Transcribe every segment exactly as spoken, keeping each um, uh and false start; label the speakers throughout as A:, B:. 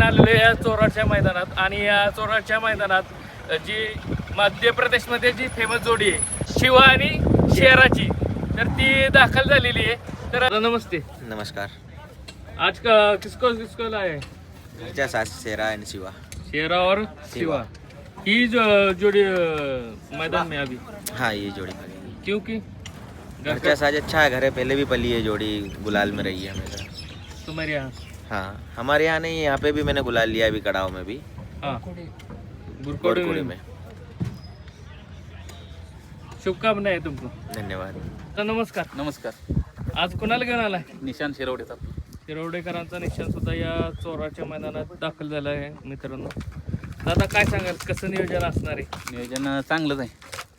A: आलेलो आहे या चोराच्या मैदानात आणि या चोराच्या मैदानात जी मध्य प्रदेशमध्ये जी फेमस जोडी आहे शिवा आणि शेराची तर ती दाखल झालेली आहे. तर नमस्ते.
B: नमस्कार.
A: आज का किसको किसको लाए?
B: घरच्या साथ शेरा आणि शिवा.
A: शेरा और शिवा ही जो जोड़ी अ, मैदान में अभी
B: हाँ ये जोड़ी
A: क्योंकि
B: घरच्या साथ अच्छा है, घर है, पहले भी पली है जोड़ी, गुलाल में रही है हमेशा.
A: तुम्हारे यहाँ
B: हाँ हमारे यहाँ नहीं, यहाँ पे भी मैंने गुलाल लिया अभी कड़ाव में भी.
A: हाँ
B: गुरकोड़ी
A: बुरकोड़ी
B: में.
A: शुभकामनाएं तुमको.
B: धन्यवाद.
A: तर नमस्कार.
C: नमस्कार.
A: आज कोणाला घेऊन आलाय?
C: निशांत शिरवडेचा.
A: शिरवडेकरांचा निशाण सुद्धा या चोराच्या मैदानात दाखल झाला आहे मित्रांनो. दादा काय सांगाल, कसं नियोजन असणार आहे?
C: नियोजन चांगलंच आहे.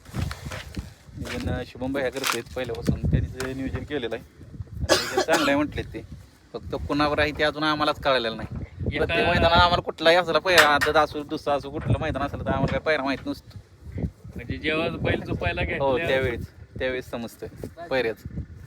C: नियोजन शुभम भाई करतेत पहिल्यापासून, त्यांनी जे नियोजन केलेलं आहे आणि नियोजन चांगलं आहे म्हटले ते. फक्त कुणावर आहे ते अजून आम्हालाच कळलेलं नाही.
A: एका-
C: प्रत्येक मैदानात आम्हाला कुठलाही असला पहिला आदत असू दुसरा असू कुठलं मैदान असेल तर आम्हाला काय पहिला माहित नसतं.
A: म्हणजे जेव्हा बैल झोपायला
C: हो
A: घ्या
C: त्यावेळेस त्यावेळेस समजतं पहिल्याच.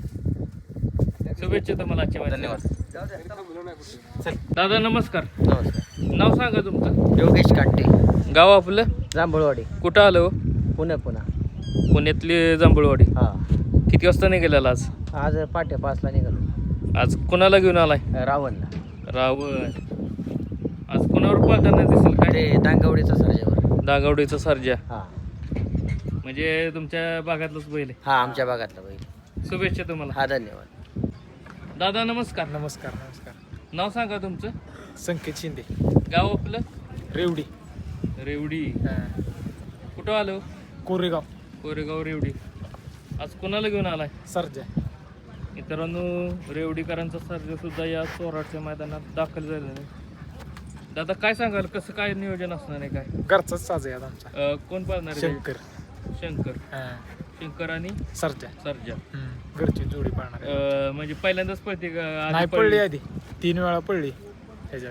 A: शुभेच्छा तुम्हाला आजच्या मैदानात.
C: धन्यवाद.
A: दादा नमस्कार.
D: नमस्कार.
A: नाव सांगा तुमचं.
D: योगेश काट्टे,
A: गाव आपलं
D: जांभूळवाडी,
A: कुठं आलं हो?
D: पुणे. पुन्हा
A: पुण्यातली जांभूळवाडी.
D: हा.
A: किती वाजता निघालेला आज?
D: आज पाट्या पाचला निघालो.
A: आज कोणाला घेऊन आलाय?
D: रावणला.
A: रावण. आज कोणावर पाहताना दिसेल काय?
D: ते दांगवडीचा सर्जेवर.
A: दागावडीचा सर्जा.
D: हा
A: म्हणजे तुमच्या भागातलंच बैल आहे.
D: हा आमच्या भागातला बैल.
A: शुभेच्छा तुम्हाला.
D: हा धन्यवाद.
A: दादा नमस्कार.
E: नमस्कार. नमस्कार.
A: नाव सांगा तुमचं.
E: संकेत शिंदे,
A: गाव आपलं
E: रेवडी,
A: रेवडी. कुठं आलो?
E: कोरेगाव,
A: कोरेगाव रेवडी. आज कोणाला घेऊन आलाय?
E: सरजा.
A: मित्रांनो रेवडीकरांचा सर्जा सुद्धा या चोराच्या मैदानात दाखल झालेला आहे. दादा काय सांगाल, कसं काय नियोजन असणार आहे काय?
E: घरचाच साज आहे आता आमचा.
A: अं, कोण पाळणार आहे?
E: शंकर.
A: शंकर.
E: हा.
A: शंकर आणि
E: सरजा.
A: सर्जा.
E: हम्म. घरची जोडी पाळणार आहे.
A: अं, म्हणजे पहिल्यांदाच पळते का? आधी
E: नाही पडली आधी, तीन वेळा पडली त्याच्या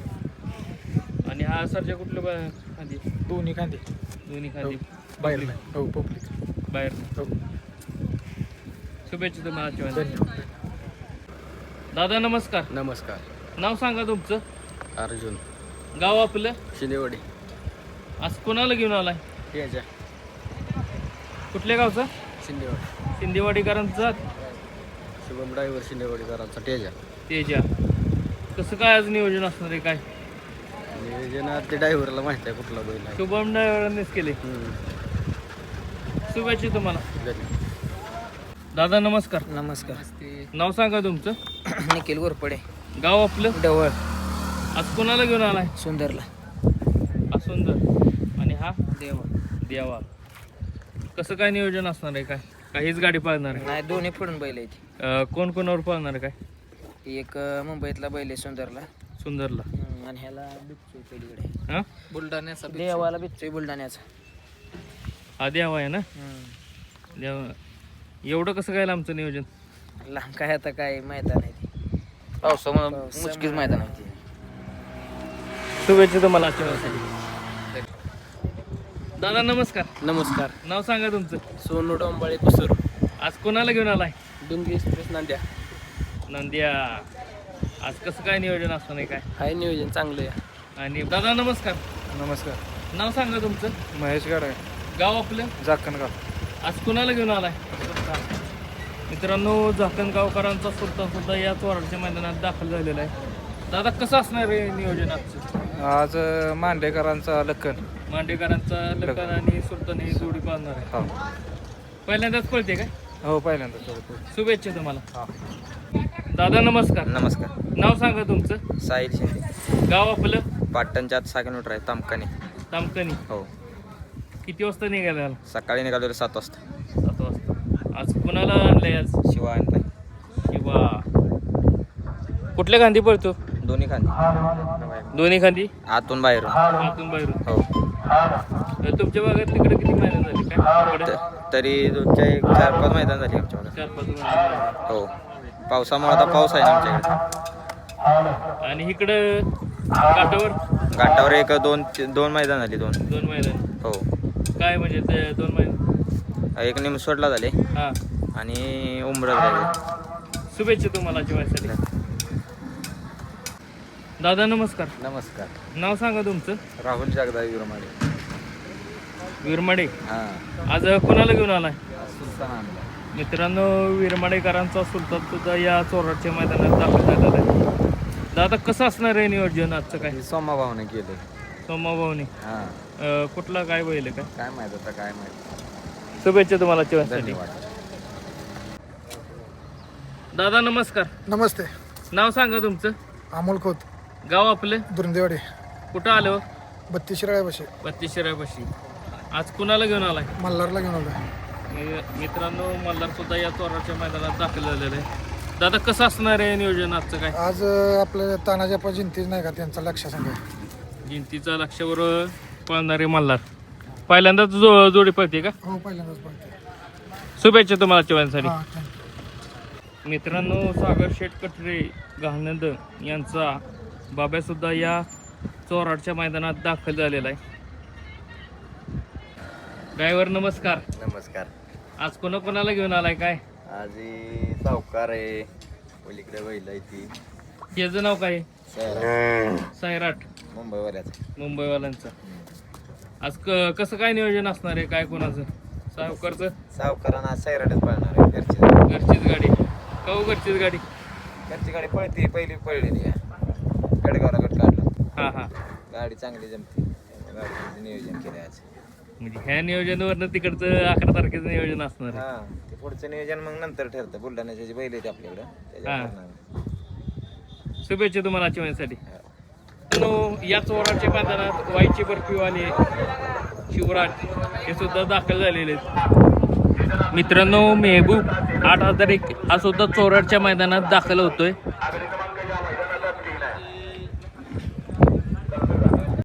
E: आधी.
A: आणि हा सर्जा कुठलं बा- खांदी?
E: दोन्ही खांदे.
A: दोन्ही खांदी.
E: बाहेर नाही. हो पब्लिक.
A: बाहेर.
E: हो
A: शुभेच्छा तुम्हाला आजच्या मैदानात.
E: धन्यवाद.
A: दादा नमस्कार.
D: नमस्कार.
A: नाव सांगा तुमचं.
D: अर्जुन
A: गाव आपलं.
D: शिंदेवाडी.
A: आज कोणाला घेऊन आलाय?
D: त्याच्या
A: कुठल्या गावचा?
D: शिंदेवाडी.
A: शिंदेवाडीकरांचा
D: शुभम ड्रायव्हर शिंदेवाडीकरांचा तेजा.
A: तेजा. कसं काय आज नियोजन असणार आहे काय?
D: नियोजनात ते ड्रायव्हरला माहिती आहे कुठला बैल आहे.
A: शुभम ड्रायव्हरांनीच केले.
D: हम्म.
A: शुभेच्छा तुम्हाला.
D: धन्यवाद.
A: दादा नमस्कार.
D: नमस्कार.
A: नाव सांगा तुमचं.
D: निखिल गोरपडे,
A: गाव आपलं.
D: डवळ,
A: आज कोणाला घेऊन आलाय?
D: सुंदरला.
A: हा सुंदर आणि हा
D: देवा.
A: देवा. कसं काय नियोजन असणार आहे काय? काहीच गाडी पाळणार आहे?
D: नाही दोन्ही फोडून बैल आहेत.
A: अं, कोण कोणावर पाळणार आहे काय?
D: एक अं, मुंबईतला बैल आहे सुंदरला.
A: सुंदरला.
D: हम्म, आणि ह्याला बिच्चू पलीकडे.
A: हा
D: बुलढाण्याचा देवाला बिच्चू बुलढाण्याचा.
A: हा देवा आहे ना.
D: हम्म.
A: देवा. एवढं कसं काय आमचं नियोजन?
D: लांब काय आता काय मैदान आहे ते. पावसामुळे मुचकीच मैदान आहे ते.
A: शुभेच्छा तुम्हाला आजच्या दिवसासाठी. दादा नमस्कार.
D: नमस्कार.
A: नाव सांगा तुमचं.
D: सोनू डोंबाळे कुसूर.
A: आज कोणाला घेऊन आलाय?
D: डुंगी एक्सप्रेस नांद्या.
A: नंद्या. आज कसं काय नियोजन असणार आहे काय?
D: हाय नियोजन चांगलं आहे.
A: आणि दादा नमस्कार.
E: नमस्कार.
A: नाव सांगा तुमचं.
E: महेश गाडे,
A: गाव आपलं.
E: जाखणगाव.
A: आज कोणाला घेऊन आलाय? मित्रांनो झाकणगावकरांचा सुलतान सुद्धा या चोराच्या मैदानात दाखल झालेला आहे. दादा कसं असणार आहे नियोजन आजचं?
E: आज मांडेकरांचा लखन.
A: मांडेकरांचा लखन आणि सुलतान ही जोडी पाळणार आहे.
E: हो
A: पहिल्यांदाच पळते काय?
E: हो पहिल्यांदा.
A: शुभेच्छा तुम्हाला.
E: हा.
A: दादा नमस्कार.
B: नमस्कार.
A: नाव सांगा तुमचं.
B: साहिल शिंदे,
A: गाव आपलं.
B: पाटणच्या आत सहा किलोमीटर आहे, तामकाने.
A: तामकणी.
B: हो.
A: किती वाजता निघाला?
B: सकाळी निघालो सात वाजता.
A: सात वाजता. आज कुणाला आणलंय आज?
B: शिवा आणलाय.
A: किंवा कुठल्या खांदी पळतो?
B: दोन्ही खांदे,
A: दोन्ही खांदी.
B: आतून बाहेरून.
A: आतून बाहेरून.
B: हो.
A: तर तुमच्या भागात तिकडे किती महिने झाले काय? तिकडे
B: त- तरी दोनच्या एक चार पाच मैदान झाली आमच्या भागात.
A: चार पाच महिने.
B: हो. पावसामुळे आता पाऊस आहे ना आमच्याकडे.
A: आणि इकडं काठावर
B: घाटावर एक दोन दोन मैदान झाली. दोन.
A: दोन मैदान.
B: हो.
A: काय म्हणजे ते दोन मैदान?
B: एक निमसोडला झाले
A: हां.
B: आणि उमरत झाले.
A: शुभेच्छा तुम्हाला जेवायसाठी. दादा नमस्कार.
C: नमस्कार.
A: नाव सांगा तुमचं.
C: राहुल जगदाई विरमाडे.
A: विरमाडे.
C: हां.
A: आज कुणाला घेऊन आलाय.
C: सुलतान आणला.
A: मित्रांनो विरमाडेकरांचा सुलतान सुद्धा या चोराडच्या मैदानात दाखल झालेला आहे. दादा कसं असणार आहे नियोजन आजचं काय.
C: सोमा भावने केले.
A: सोमाभाऊनी.
C: हां.
A: कुठला काय बैल आहे काय.
C: काय माहित आता काय माहित.
A: शुभेच्छा तुम्हाला चिवनसाठी.
C: धन्यवाद.
A: दादा नमस्कार.
F: नमस्ते.
A: नाव सांगा तुमचं.
F: अमोल खोत,
A: गाव आपलं.
F: दुर्देवाडी.
A: कुठं आलं.
F: बत्तीस शिराळ्यापाशी.
A: बत्तीस शिरायपाशी. आज कुणाला घेऊन आलाय.
F: मल्हारला घेऊन आलो.
A: मी- मित्रांनो मल्हार सुद्धा या चोराच्या मैदानात दाखल झालेलं आहे. दादा कसं असणार आहे नियोजन आजचं काय.
F: आज अं, आपलं तानाजी जिंतीच नाही का त्यांचा लक्ष सांगा.
A: जिंतीचा लक्षावर पळणारे मल्हार पहिल्यांदाच जो जोडी पळते का.
F: हो पहिल्यांदाच पळते.
A: शुभेच्छा तुम्हाला चिवनसाठी.
F: हां थँक्यू.
A: मित्रांनो सागर शेठ कटरे गहानंद यांचा बाब्या सुद्धा या चोराडच्या मैदानात दाखल झालेला आहे. ड्रायव्हर नमस्कार.
B: नमस्कार.
A: आज कोणा कोणाला घेऊन आलाय काय.
B: आज ही सावकार आहे, पलीकडे बैल आहे ती
A: याचं नाव काय. सैराट.
B: मुंबईवाल्याच.
A: मुंबईवाल्यांचं. आज क कसं काय नियोजन असणार आहे काय कोणाचं. सावकारचं.
B: सावकारांना आज सैराटच पळणार आहे. घरची
A: घरचीच गाडी. काऊ घरचीच गाडी.
B: घरची गाडी पळते, पहिली पळलेली आहे. गडगावला गट काढला.
A: हां हां.
B: गाडी चांगली जमते. गाडीचं नियोजन केलं आज.
A: म्हणजे ह्या नियोजनावरनं तिकडचं अकरा तारखेचं नियोजन असणार आहे.
B: हा, ते पुढचं नियोजन मग नंतर ठरतं. बुलढाण्याचे जे बैल आहेत आपल्याकडं त्याच्यावर
A: हा.
B: करणार.
A: शुभेच्छा तुम्हाला चिवण्यासाठी. या चोराच्या मैदानात वाईची बर्फीवाले शिवराज हे सुद्धा दाखल झालेले आहेत. मित्रांनो मेहबूब आठ हजार एक हा सुद्धा चोराडच्या मैदानात दाखल होतोय.